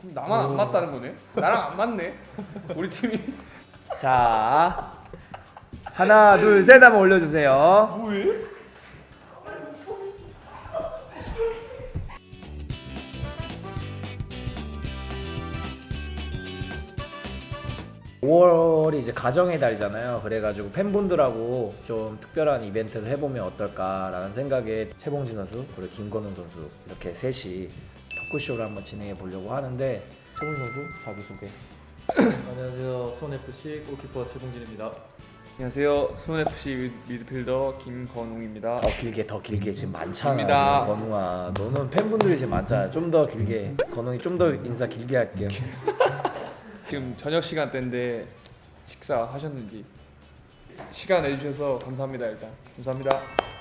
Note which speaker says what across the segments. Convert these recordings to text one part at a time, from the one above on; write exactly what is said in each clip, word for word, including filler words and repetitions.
Speaker 1: 그럼 나만 안 맞다는 거네? 나랑 안 맞네? 우리 팀이.
Speaker 2: 자, 하나, 둘, 셋 한번 올려주세요.
Speaker 1: 뭐해?
Speaker 2: 오월이 이제 가정의 달이잖아요. 그래가지고 팬분들하고 좀 특별한 이벤트를 해보면 어떨까라는 생각에 최봉진 선수 그리고 김건웅 선수 이렇게 셋이 토크쇼를 한번 진행해 보려고 하는데 최봉진 선수 자기소개.
Speaker 3: 안녕하세요. 수원에프씨 골키퍼 최봉진입니다.
Speaker 1: 안녕하세요. 수원에프씨 미드필더 김건웅입니다.
Speaker 2: 더 길게 더 길게 지금 많잖아.
Speaker 1: 입니다.
Speaker 2: 지금 건웅아, 너는 팬분들이 지금 많잖아. 좀 더 길게. 건웅이 좀 더 인사 길게 할게요.
Speaker 1: 지금 저녁 시간대인데 식사하셨는지 시간 내주셔서 감사합니다. 일단 감사합니다.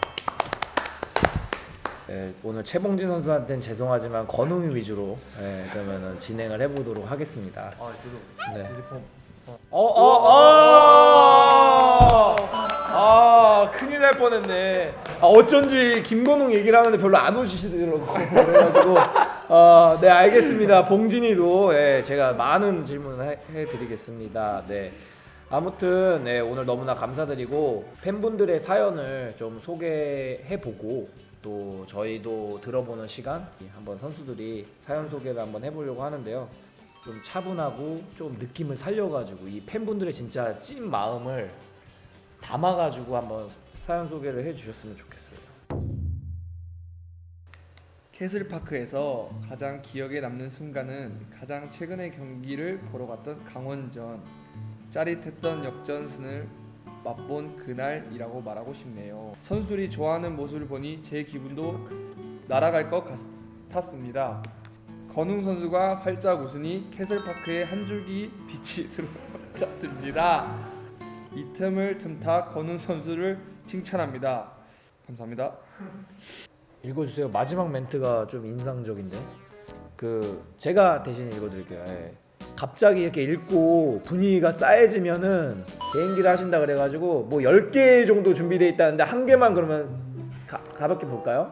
Speaker 2: 네, 오늘 최봉진 선수한테는 죄송하지만 건웅이 위주로 네, 그러면은 진행을 해보도록 하겠습니다.
Speaker 3: 아, 저도
Speaker 2: 네.
Speaker 3: 유니폼.
Speaker 2: 어, 어, 어! 아, 큰일 날 뻔했네. 아, 어쩐지 김건웅 얘기를 하는데 별로 안 오시더라고요. 그래가지고, 아, 네, 알겠습니다. 봉진이도, 예, 제가 많은 질문을 해, 해드리겠습니다. 네. 아무튼, 네, 오늘 너무나 감사드리고, 팬분들의 사연을 좀 소개해보고, 또 저희도 들어보는 시간, 한번 선수들이 사연 소개를 한번 해보려고 하는데요. 좀 차분하고 좀 느낌을 살려가지고 이 팬분들의 진짜 찐 마음을 담아가지고 한번 사연 소개를 해주셨으면 좋겠어요.
Speaker 1: 캐슬파크에서 가장 기억에 남는 순간은 가장 최근의 경기를 보러 갔던 강원전. 짜릿했던 역전승을 맛본 그날이라고 말하고 싶네요. 선수들이 좋아하는 모습을 보니 제 기분도 날아갈 것 같았습니다. 건웅 선수가 활짝 웃으니 캐슬파크에 한 줄기 빛이 들어왔습니다. 이 틈을 틈타 건웅 선수를 칭찬합니다. 감사합니다.
Speaker 2: 읽어주세요. 마지막 멘트가 좀 인상적인데 그 제가 대신 읽어드릴게요. 예. 갑자기 이렇게 읽고 분위기가 싸해지면은 개인기를 하신다 그래가지고 뭐 열 개 정도 준비되어 있다는데 한 개만 그러면 가, 가볍게 볼까요?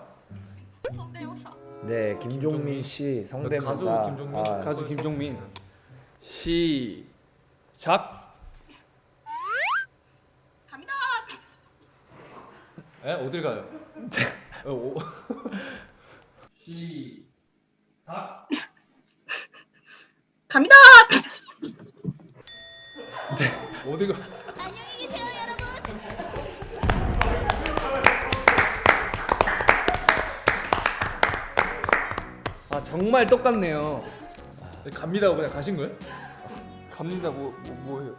Speaker 2: 네, 김종민 씨 성대모사.
Speaker 3: 가수 김종민.
Speaker 2: 아,
Speaker 1: 가수 김종민. 시작.
Speaker 3: 에? 어딜 가요? 어, 오. 시작.
Speaker 4: 갑니다.
Speaker 3: 어디 가?
Speaker 4: 안녕히 계세요, 여러분.
Speaker 1: 아 정말 똑같네요.
Speaker 3: 갑니다. 그냥 가신 거예요?
Speaker 1: 갑니다. 뭐, 뭐 뭐예요?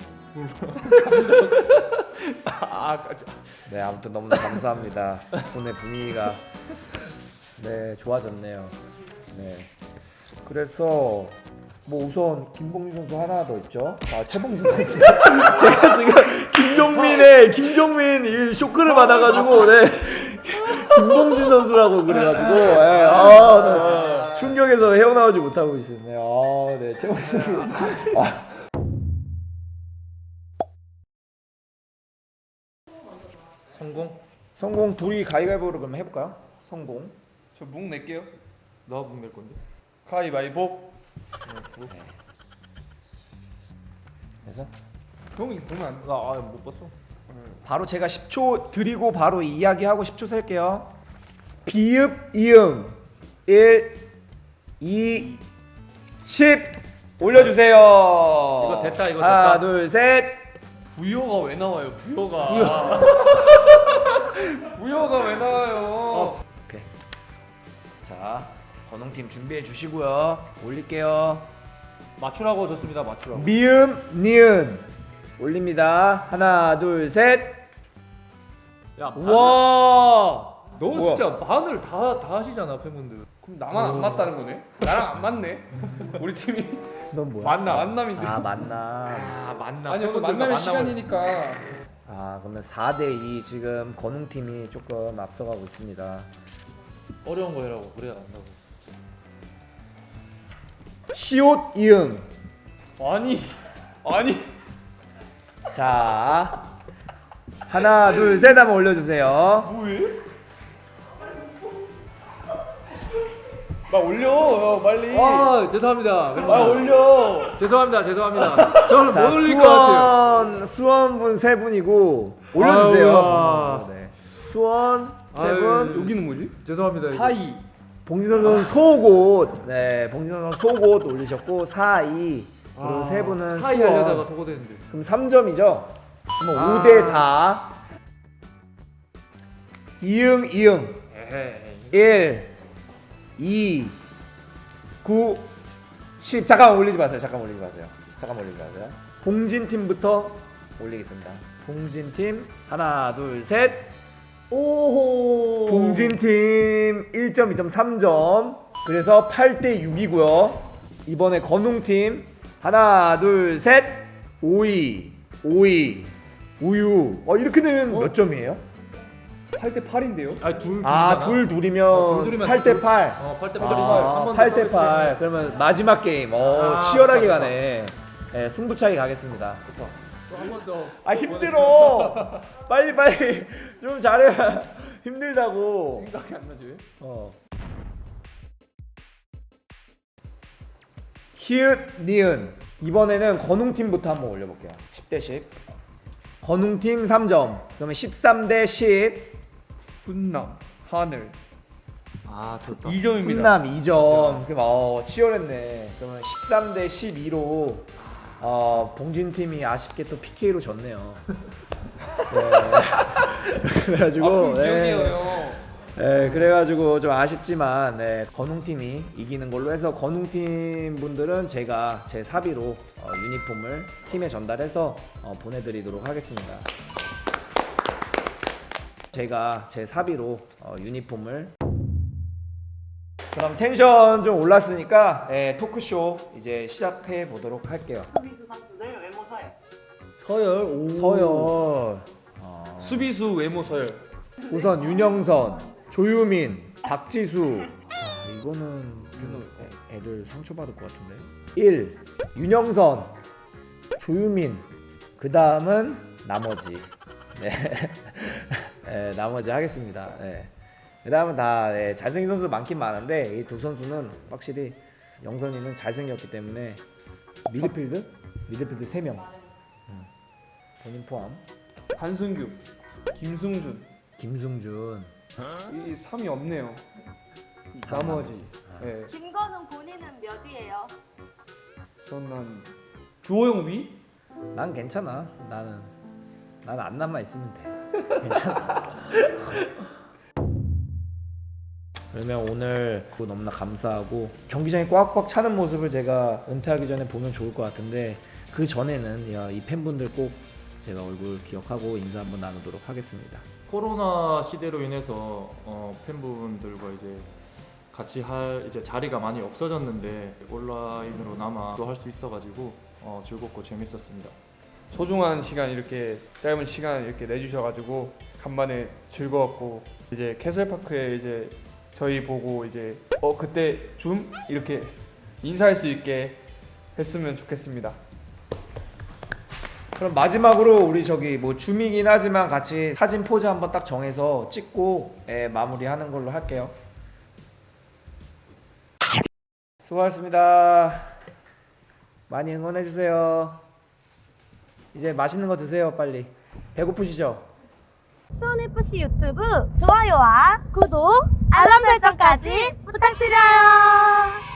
Speaker 1: 아, 아,
Speaker 2: 네, 아무튼 너무나 감사합니다. 오늘 분위기가 네 좋아졌네요. 네, 그래서 뭐 우선 김봉진 선수 하나 더 있죠. 아 최봉진 선수. 제가 지금 김종민의 김종민 이 쇼크를 받아가지고 네 김봉진 선수라고 그래가지고 네, 아, 네, 충격에서 헤어나오지 못하고 있었네요. 아, 네 최봉진 선수. 아.
Speaker 3: 성공?
Speaker 2: 성공 둘이 가위바위보로 그럼 해볼까요? 성공.
Speaker 1: 저묵 낼게요.
Speaker 3: 너가 묵낼 건데?
Speaker 1: 가위바위보.
Speaker 2: 그래서
Speaker 1: 형이 보면 안 돼.
Speaker 3: 나못 봤어.
Speaker 2: 바로 제가 십 초 드리고 바로 이야기하고 십 초 셀게요. 비읍 이응 일, 이, 십 올려주세요.
Speaker 3: 이거 됐다, 이거
Speaker 2: 하나,
Speaker 3: 됐다.
Speaker 2: 둘, 셋.
Speaker 1: 부여가 왜 나와요? 부여가. 부여가 왜 나와요?
Speaker 2: 오케이. 자, 건웅팀 준비해 주시고요. 올릴게요.
Speaker 3: 맞추라고 줬습니다. 맞추라고.
Speaker 2: 미음, 니은 올립니다. 하나, 둘, 셋.
Speaker 3: 야, 마늘.
Speaker 2: 와.
Speaker 3: 너
Speaker 2: 뭐야?
Speaker 3: 진짜 마늘 다, 다 하시잖아, 팬분들.
Speaker 1: 그럼 나만 안 맞다는 거네? 나랑 안 맞네? 우리 팀이.
Speaker 2: 넌 뭐야?
Speaker 3: 만남.
Speaker 1: 만남인데.
Speaker 2: 아, 만남.
Speaker 3: 아, 만남.
Speaker 1: 아니 그
Speaker 3: 팬분들과
Speaker 1: 만남의
Speaker 3: 만남을-
Speaker 1: 시간이니까.
Speaker 2: 아, 그러면 사 대 이 지금 건웅팀이 조금 앞서가고 있습니다.
Speaker 3: 어려운 거 해라고. 그래야 안다고.
Speaker 2: 시옷 이응.
Speaker 1: 아니 아니.
Speaker 2: 자, 하나, 둘, 셋 한번 올려주세요.
Speaker 1: 뭐해? 빨리 올려 형 빨리.
Speaker 3: 아 죄송합니다.
Speaker 1: 아
Speaker 3: 팬분들.
Speaker 1: 올려.
Speaker 3: 죄송합니다. 죄송합니다. 저는
Speaker 2: 자,
Speaker 3: 못 올릴 것 같아요.
Speaker 2: 수원 수원분 세 분이고 올려주세요.
Speaker 3: 아우야.
Speaker 2: 네. 수원 세
Speaker 3: 아유,
Speaker 2: 분.
Speaker 1: 여기는 뭐지?
Speaker 3: 죄송합니다. 이거.
Speaker 1: 사이.
Speaker 2: 봉진선 선수 소곳. 네, 봉진선 선수 소곳 올리셨고 사이. 그리고
Speaker 3: 아,
Speaker 2: 세 분은
Speaker 3: 사이
Speaker 2: 수원.
Speaker 3: 하려다가 소거됐는데.
Speaker 2: 그럼 삼 점이죠. 그럼
Speaker 3: 아.
Speaker 2: 오 대 사. 이응 이응.
Speaker 3: 에헤이.
Speaker 2: 일, 이, 구, 십. 잠깐 올리지 마세요. 잠깐 올리지 마세요. 잠깐 올리지 마세요. 봉진 팀부터 올리겠습니다. 봉진 팀 하나, 둘, 셋.
Speaker 1: 오호.
Speaker 2: 봉진 팀 일 점, 이 점, 삼 점. 그래서 팔 대 육이고요. 이번에 건웅 팀 하나, 둘, 셋. 오이, 오이, 우유. 어 이렇게 되면
Speaker 1: 어?
Speaker 2: 몇 점이에요?
Speaker 1: 팔 대 팔인데요?
Speaker 3: 아니 둘.
Speaker 2: 아,
Speaker 3: 둘이잖아.
Speaker 2: 둘 둘이면
Speaker 3: 어, 둘 둘이면
Speaker 2: 팔 대 팔.
Speaker 3: 어, 팔 대 팔.
Speaker 2: 아, 팔 대 팔. 그러면 마지막 게임. 어,
Speaker 3: 아,
Speaker 2: 치열하게
Speaker 3: 좋다,
Speaker 2: 가네. 네, 승부차기 가겠습니다.
Speaker 3: 한번 더.
Speaker 2: 아, 힘들어. 빨리 빨리 좀 잘해. 힘들다고.
Speaker 1: 생각이 안 나지 왜?
Speaker 2: 어. 히읗 니은. 이번에는 건웅 팀부터 한번 올려 볼게요. 십 대 십. 건웅 팀 삼 점. 그러면 십삼 대 십.
Speaker 1: 훈남 하늘
Speaker 3: 아 좋다.
Speaker 1: 이 점입니다.
Speaker 2: 훈남 이 점. 그럼 어, 치열했네. 그러면 십삼 대 십이로 어, 봉진 팀이 아쉽게 또 피케이로 졌네요. 네. 그래가지고
Speaker 1: 아픈
Speaker 2: 네.
Speaker 1: 기억이에요 형.
Speaker 2: 네, 그래가지고 좀 아쉽지만 네, 건웅 팀이 이기는 걸로 해서 건웅 팀 분들은 제가 제 사비로 어, 유니폼을 팀에 전달해서 어, 보내드리도록 하겠습니다. 제가 제 사비로 어, 유니폼을. 그럼 텐션 좀 올랐으니까 예, 토크쇼 이제 시작해 보도록 할게요.
Speaker 4: 수비수 선수들 외모 서열.
Speaker 1: 서열. 오.
Speaker 2: 서열. 어,
Speaker 1: 수비수 외모 서열.
Speaker 2: 우선 윤영선, 조유민, 박지수. 아, 이거는 좀 애- 애들 상처받을 것 같은데. 일. 윤영선, 조유민. 그 다음은 나머지. 네. 네, 나머지 하겠습니다. 네. 그 다음은 다 네, 잘생긴 선수 많긴 많은데 이 두 선수는 확실히 영선이는 잘생겼기 때문에 미드필드? 미드필드 세 명. 음. 본인 포함.
Speaker 1: 한승규, 김승준.
Speaker 2: 김승준.
Speaker 1: 이 삼이 없네요.
Speaker 2: 삼
Speaker 1: 나머지.
Speaker 2: 아.
Speaker 1: 네.
Speaker 4: 김건웅 본인은 몇이에요?
Speaker 1: 저는 주호영 위?
Speaker 2: 난 괜찮아. 나는 나는 안 남아 있으면 돼. 괜찮아. 그러면 오늘 너무나 감사하고 경기장이 꽉꽉 차는 모습을 제가 은퇴하기 전에 보면 좋을 것 같은데 그 전에는 야, 이 팬분들 꼭 제가 얼굴 기억하고 인사 한번 나누도록 하겠습니다.
Speaker 3: 코로나 시대로 인해서 어, 팬분들과 이제 같이 할 이제 자리가 많이 없어졌는데 온라인으로나마 또 할 수 있어가지고 어, 즐겁고 재밌었습니다.
Speaker 1: 소중한 시간 이렇게 짧은 시간 이렇게 내주셔가지고 간만에 즐거웠고 이제 캐슬파크에 이제 저희 보고 이제 어 그때 줌 이렇게 인사할 수 있게 했으면 좋겠습니다.
Speaker 2: 그럼 마지막으로 우리 저기 뭐 줌이긴 하지만 같이 사진 포즈 한번 딱 정해서 찍고 예, 마무리하는 걸로 할게요. 수고하셨습니다. 많이 응원해 주세요. 이제 맛있는 거 드세요, 빨리. 배고프시죠?
Speaker 5: 수원에프씨 유튜브 좋아요와 구독, 알람 설정까지 부탁드려요.